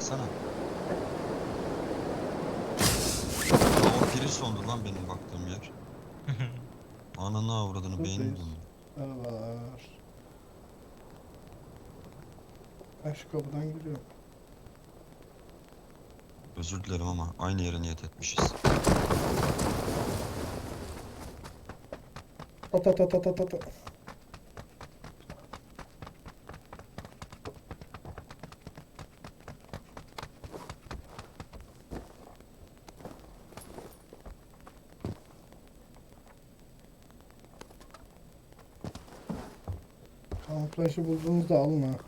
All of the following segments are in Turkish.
baksana. Aa, o piri sondu lan benim baktığım yer. Ananı avradını beynim Buradayız. döndü. Merhabalar. Ben şu kapıdan giriyorum. Özür dilerim ama aynı yere niyet etmişiz. At at at at at at. Kamuflajı bulduğunuzda alın ha.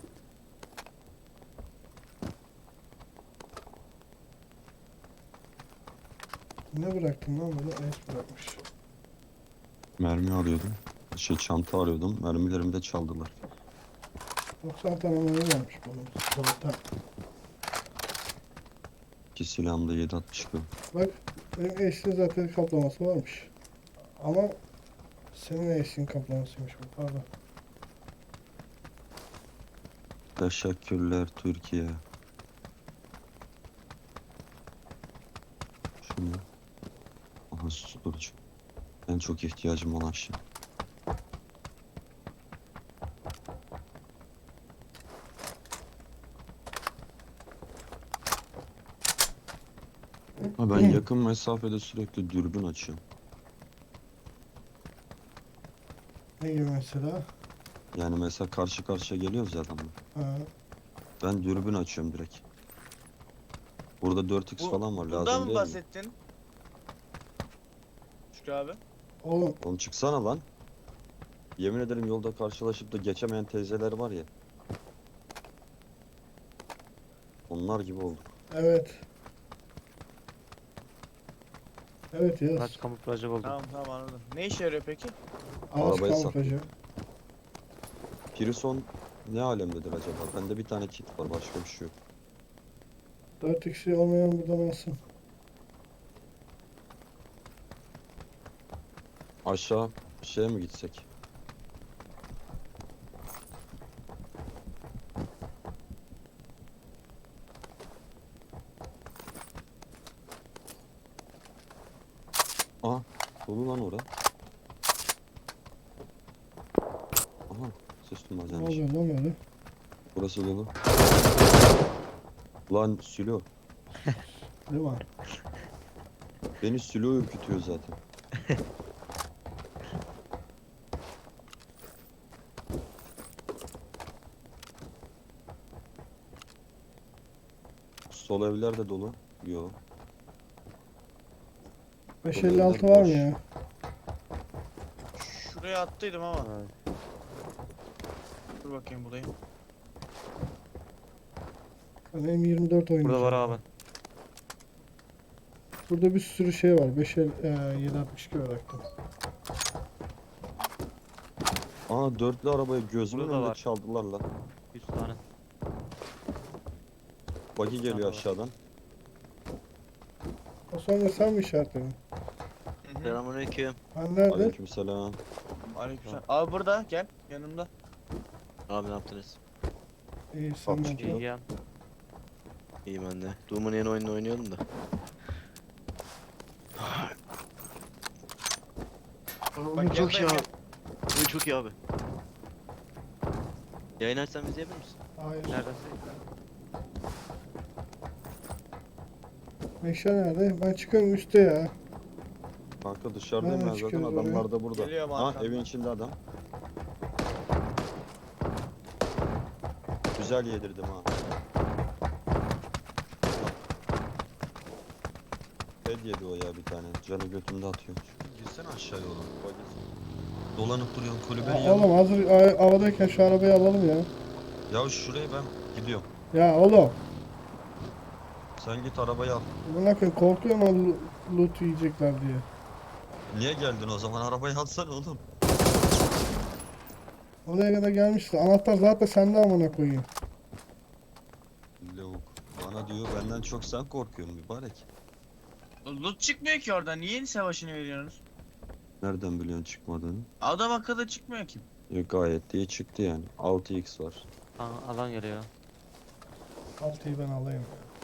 Ne bıraktım lan burada? Es bırakmış. Mermi arıyordum. Çanta arıyordum. Mermilerimi de çaldılar. 90 tane mermi varmış bunun. Zaten. İki silahımda 7.62. Bak benim eşliğin zaten kaplaması varmış. Ama senin eşliğin kaplamasıymış bu. Pardon. Teşekkürler Türkiye. Şunu. Aha susturucu. En çok ihtiyacım olan şey. Ha, ben yakın mesafede sürekli dürbün açıyorum. Ne gibi mesela? Yani mesela karşı karşıya geliyoruz ya adamla. Ha. Ben dürbün açıyorum direkt. Burada 4x falan var, Bundan lazım mı değil mi? bahsettin? Şükrü abi. Oğlum Oğlum çıksana lan. Yemin ederim yolda karşılaşıp da geçemeyen teyzeler var ya. Onlar gibi olduk. evet. Evet yaz. Araç kamuflajı buldum. Tamam tamam anladım. Ne işe yarıyor peki? Ağaç Arabayı kamuflajı. Pirison ne alemdedir acaba? Bende bir tane kit var, başka bir şey yok. 4 kişi olmayan buradan alsın. Aşağı şeye mi gitsek? Aha, dolu lan ora. Aha, ses Ne duymaz oluyor lan böyle? Burası dolu. Lan Sülo. Değil mi? Beni Sülo ürkütüyor zaten. Sol evler de dolu. Yo. 556 var mı ya? Şuraya attıydım ama. Evet. Dur bakayım bulayım. Ben M24 oynayacağım. Burada var abi. Burada bir sürü şey var. 762 bıraktım. Aa, dörtlü arabayı gözümün Burada önünde var. çaldılar lan. 100 tane. Buggy geliyor Tamam. aşağıdan. O sonra sen mi işaretledin? Selamünaleyküm. Ben nerede? Aleykümselam. Aleykümselam. Abi burada gel yanımda. Abi ne yaptınız? İyi sen Bak, ne İyi yapıyorsun? gel. İyi ben de. Doom'un yeni oyununu oynuyordum da. Oyun çok iyi yanındayım abi. Oyun çok iyi abi. Yayın açsam izleyebilir misin? Hayır. Neredesin? Meşe nerede? Ben çıkıyorum üstte ya. Kanka dışarıdayım Nereden ben zaten, çıkıyoruz oraya? adamlar da burada. Geliyor Ha, arkamdan. evin içinde adam. Güzel yedirdim ha. Ed yedi o ya bir tane. Canı götümde atıyor. Girsene aşağıya oğlum. Dolanıp duruyorsun kulübenin yanına. Oğlum hazır havadayken şu arabayı alalım ya. Ya şuraya ben gidiyorum. Ya oğlum. Sen git arabayı al. Buna koyayım korkuyorum ama loot yiyecekler diye. Niye geldin o zaman? Arabayı alsana oğlum. Oraya kadar gelmişti. Anahtar zaten sende amına koyayım. Lavuk. Bana diyor benden çok sen korkuyorsun mübarek. Loot çıkmıyor ki orada. Niye savaşını veriyorsunuz? Nereden biliyorsun çıkmadığını? Adam akıllı çıkmıyor ki. Yok, gayet iyi çıktı yani. 6x var. Aa, alan geliyor. 6'yı ben alayım.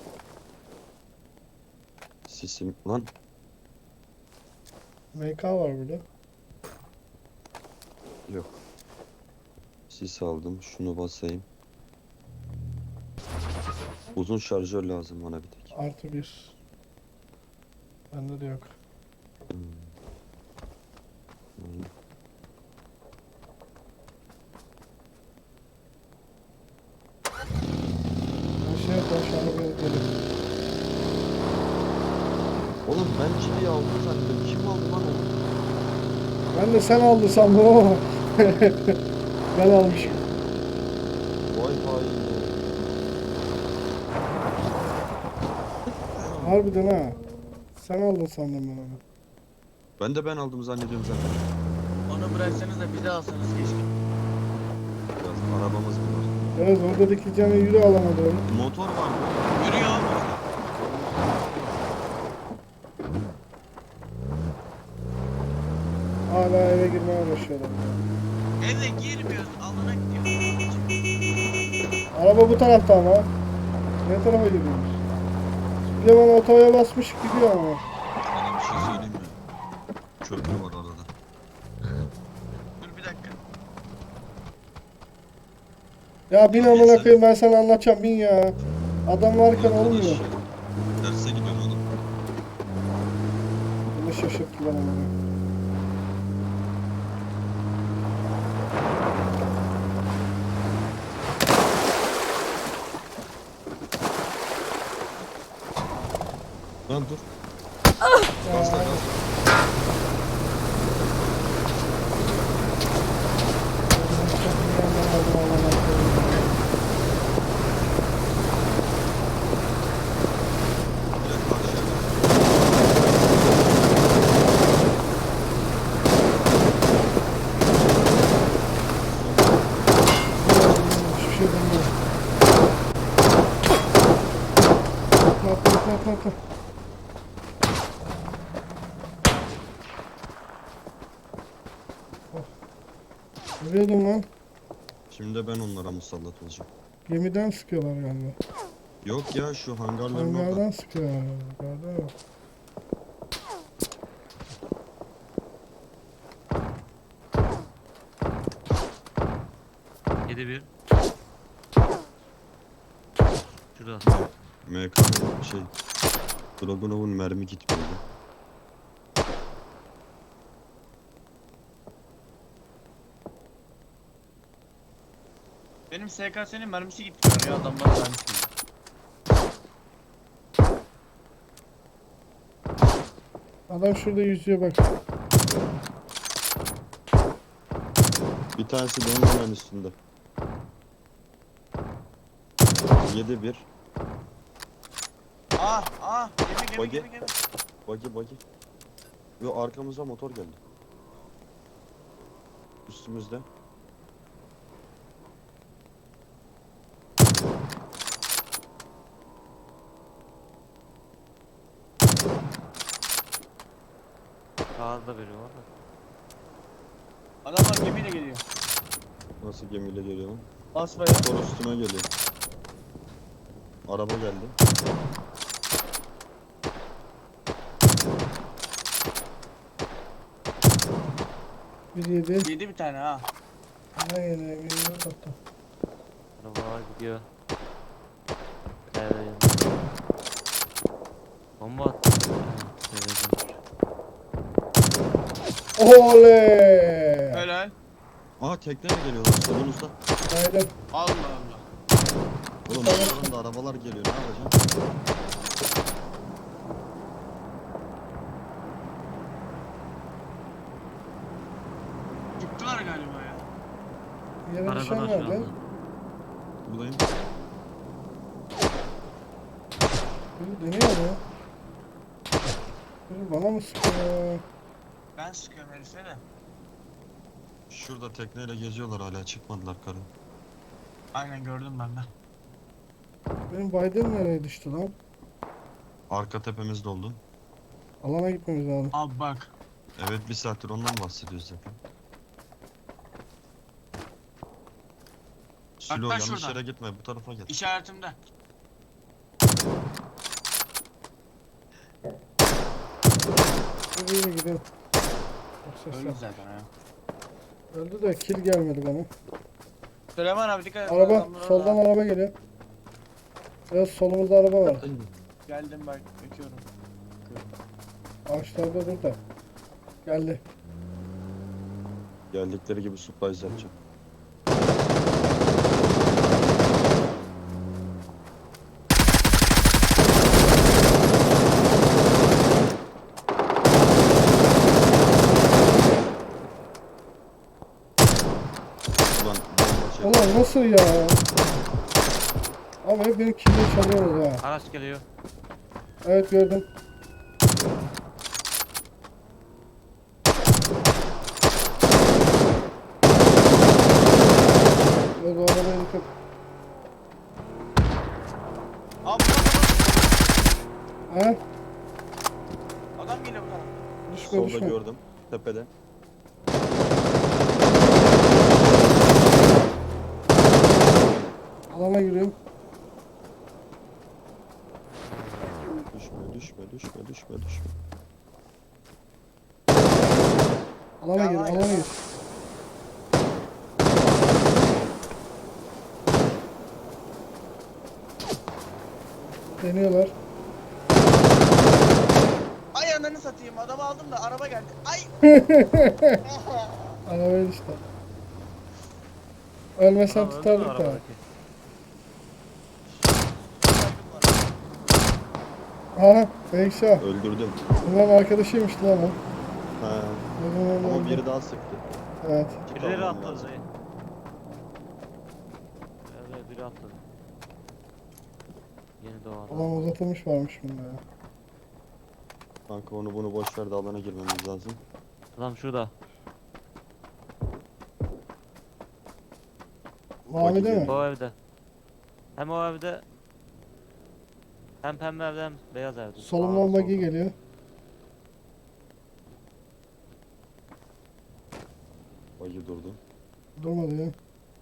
Sisim lan. MK var burada. Yok. Sis aldım. Şunu basayım. Uzun şarjör lazım bana bir tek. Artı bir. Bende de yok. Hmm. Hmm. Bir şey yapalım şu anda bir gidelim. Oğlum ben çiviyi aldım zannediyorum. Kim aldı lan onu? Ben de sen aldın sandım ama. Ben almışım. Vay vay. Harbiden ha. Sen aldın sandım ben onu. Ben aldım zannediyorum zaten. Onu bıraksanız da bize alsanız keşke. Biraz arabamız mı var? Evet orada dikileceğine yürü alamadı onu. Motor var mı? Yürüyor mu? Hala eve girmeye uğraşıyorlar. Eve girmiyoruz. Alana gidiyoruz. Araba bu tarafta ama. Ne tarafa gidiyoruz? Süleyman otoya basmış gidiyor ama. Sana bir şey söyleyeyim mi? Köprü var arada. Dur bir dakika. Ya bin amına koyayım ben sana anlatacağım bin ya. Adam varken Arkadaş olmuyor. ya. Derse gidiyorum oğlum. Beni şaşırttılar ama. Lan dur. Ya, Gazla gazla. Direkt karşıya. hiçbir şey bilmiyorum. Atla. Biliyordum lan. Şimdi de ben onlara musallat olacağım. Gemiden sıkıyorlar galiba. Yok ya şu hangarların orada. Hangardan sıkıyorlar galiba. Gördün mü? Yedi bir. Şurada. MK şey. Dragunov'un mermi gitmiyordu. Benim SKS'nin mermisi gitti ya adamlar mermisi gitti. Adam şurada yüzüyor bak. Bir tanesi de onun hemen üstünde. 7-1. Gemi Bagi. gemi. Bagi. Yo arkamıza motor geldi. Üstümüzde. Sağda biri var da. Adamlar gemiyle geliyor. Nasıl gemiyle geliyor lan? Basmaya. Motor üstüme geliyor. Araba geldi. Bir yedi. Yedi bir tane ha. Ne yedi? Bir hatta. Arabalar gidiyor. Evet. Bomba attı. Evet. Oley! Helal. Aa tekneyle geliyorlar solunuzda. Haydi. Allah Allah. Oğlum arkadan da arabalar geliyor ne yapacağım? Çıktılar galiba ya. Yere düşen Arabada şu nerede? anda. Buradayım. Biri deniyor mu? Biri bana mı sıkıyor? Ben sıkıyorum herife de. Şurada tekneyle geziyorlar hala çıkmadılar karı. Aynen gördüm ben de. Benim Biden nereye düştü lan? Arka tepemiz doldu. Alana gitmemiz lazım. Abi bak. Evet bir saattir ondan bahsediyoruz zaten. Silo Hatta yanlış şuradan. yere gitme bu tarafa gel. İşaretimde. arabayla gidelim. Çok ses Öldü var. zaten ha. Öldü de kill gelmedi bana. Süleyman abi dikkat et. Araba adamlar orada. soldan araba geliyor. Biraz solumuzda araba var. Geldim bak bekliyorum. Ağaçlarda dur da. Geldi. Geldikleri gibi surprise yapacağım. Ulan bomba çek. Ulan nasıl ya? Ama hep benim kill'i çalıyoruz ha. Araç geliyor. Evet gördüm. Yok o arabaya dikkat. Abi Ha? adam geliyor bu tarafa. Düşme Solda düşme. gördüm. Tepede. Alana giriyorum. Düşme. Alana gir, alana gir. Deniyorlar. Ay ananı satayım adamı aldım da araba geldi. Ay. Arabaya işte. Ölmesen Adam öldü mü tutardık da. arabadaki? Aha, Beykşah. Öldürdüm. Bunların arkadaşıymış lan o. Ha. Ama biri daha sıktı. Evet. İki Birileri kalmam atladı lazım. dayı. Evet biri atladı. Yeni doğan. Alan uzatılmış varmış bunda ya. Kanka onu bunu boş ver de alana girmemiz lazım. Adam şurada. Mavi değil mi? O evde. Hem o evde hem pembe evde hem beyaz evde. Solumdan Sağda, buggy solda. geliyor. Bagi durdu. Durmadı ya.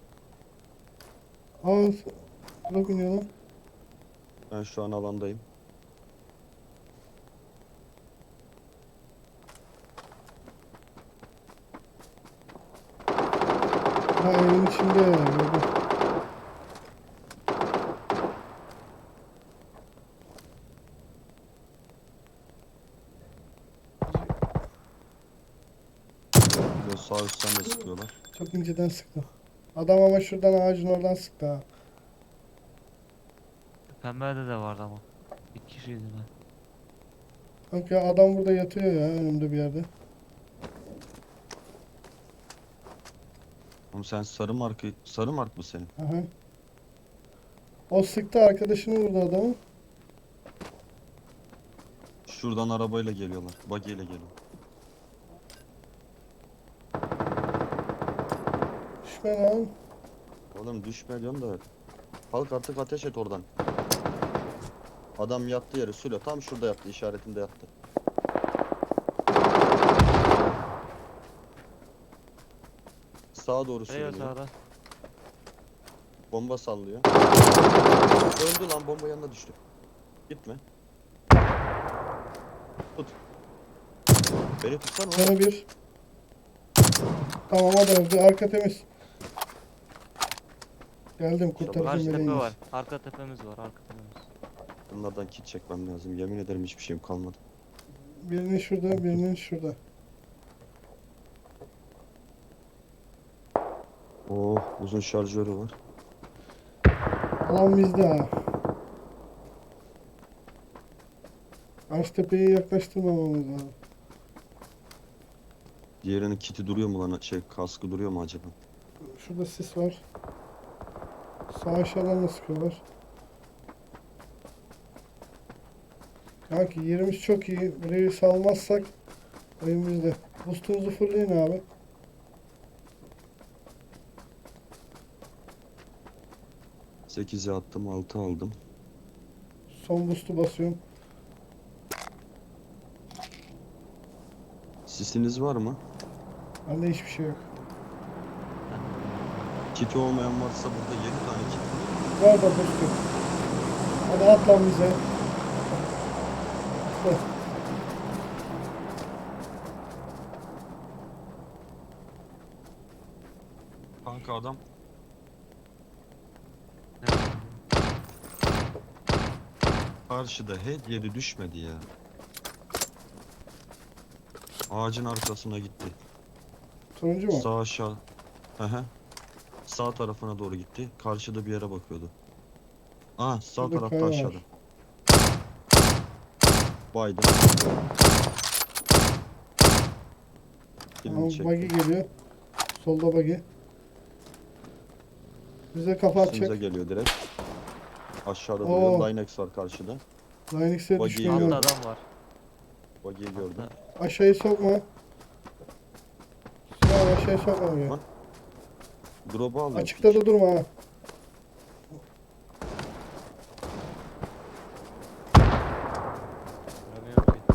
Aa, bırak iniyor lan. Ben şu an alandayım. Ha evin içinde ya. Gördüm. Böyle sağ üstten de sıkıyorlar. Çok inceden sıktı. Adam ama şuradan ağacın oradan sıktı ha. Pembe evde de vardı ama. İki kişiydi ben. Bak ya adam burada yatıyor ya önümde bir yerde. Oğlum sen sarı mark mı senin? Aha. O sıktı arkadaşını vurdu adamı. Şuradan arabayla geliyorlar. Bagi ile geliyor. Düşme lan. Oğlum düşme diyorum da. Kalk artık ateş et oradan. Adam yattı yere Sülo tam şurada yattı, işaretinde yattı. Sağa doğru Beyaz sürünüyor. sağda. Bomba sallıyor. Öldü lan, bomba yanına düştü. Gitme. Tut. Beni tutsana oğlum. Canı bir. Tamam o da öldü. Arka temiz. Geldim kurtarıcı Karşı tepe meleğimiz. var. Arka tepemiz var. Arka tepemiz. Bunlardan kit çekmem lazım. Yemin ederim hiçbir şeyim kalmadı. Birinin şurada, birinin şurada. Oh, uzun şarjörü var. Alan bizde ha. Karşı tepeye yaklaştırmamamız lazım. Diğerinin kiti duruyor mu lan? Kaskı duruyor mu acaba? Şurada sis var. Sağ aşağıdan da sıkıyorlar. Kanki yerimiz çok iyi. Burayı salmazsak oyun bizde. Boostumuzu fullleyin abi. Sekize attım, 6 aldım. Son boost'u basıyorum. Sisiniz var mı? Bende hiçbir şey yok. Kiti olmayan varsa burada 7 tane kit var. Var da boost'u. Hadi at lan bize. Heh. Kanka adam. Karşıda head yeri düşmedi ya. Ağacın arkasına gitti. Turuncu mu? Sağ aşağı. Hı hı. Sağ tarafına doğru gitti. Karşıda bir yere bakıyordu. Aa, sağ Şurada tarafta kaya var. aşağıda. Baydı. Tamam, Filmi çekti. buggy geliyor. Solda buggy. Bize kafa Üstümüze atacak. geliyor direkt. Aşağıda Oo. duruyor. Linex var karşıda. Linux'e Buggy düşmeyi geliyor. Altta gördüm. adam var. Buggy'yi gördüm. Aşağıyı sokma. Sinan aşağıyı sokma oraya. Lan, Drop'u aldım. Açıkta da durma ha. Göremiyorum ki.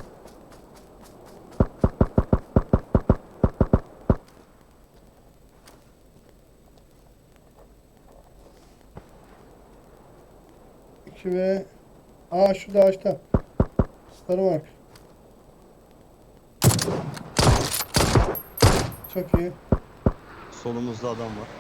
İki ve... Aa şurada ağaçta. Starmark. Çok iyi. Solumuzda adam var.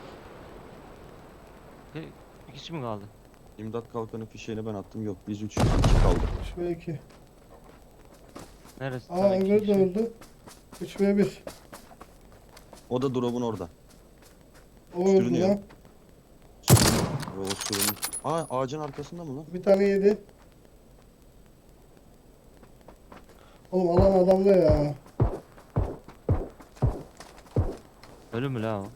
Bir kişi mi kaldı? İmdat kalkanı fişeğini ben attım. Yok, biz 3 kaldık. 3 ve 2. Neresi? Aa Sana iki öbürü de kişi. öldü. 3 ve 1. O da drop'un orada. O öldü Sürünüyor. lan. Ve o sürünün. Aa, ağacın arkasında mı lan? Bir tane yedi. Oğlum alan adamda ya. Ölü mü la o?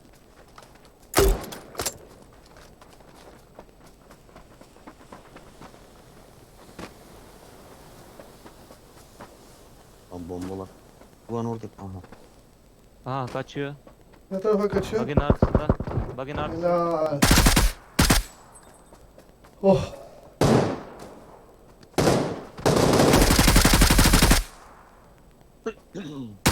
Lan bombalar. Ulan orada. Aha. Aha kaçıyor. Ne tarafa kaçıyor? Bug'in arkasında. Bug'in arkasında. Helal. Oh.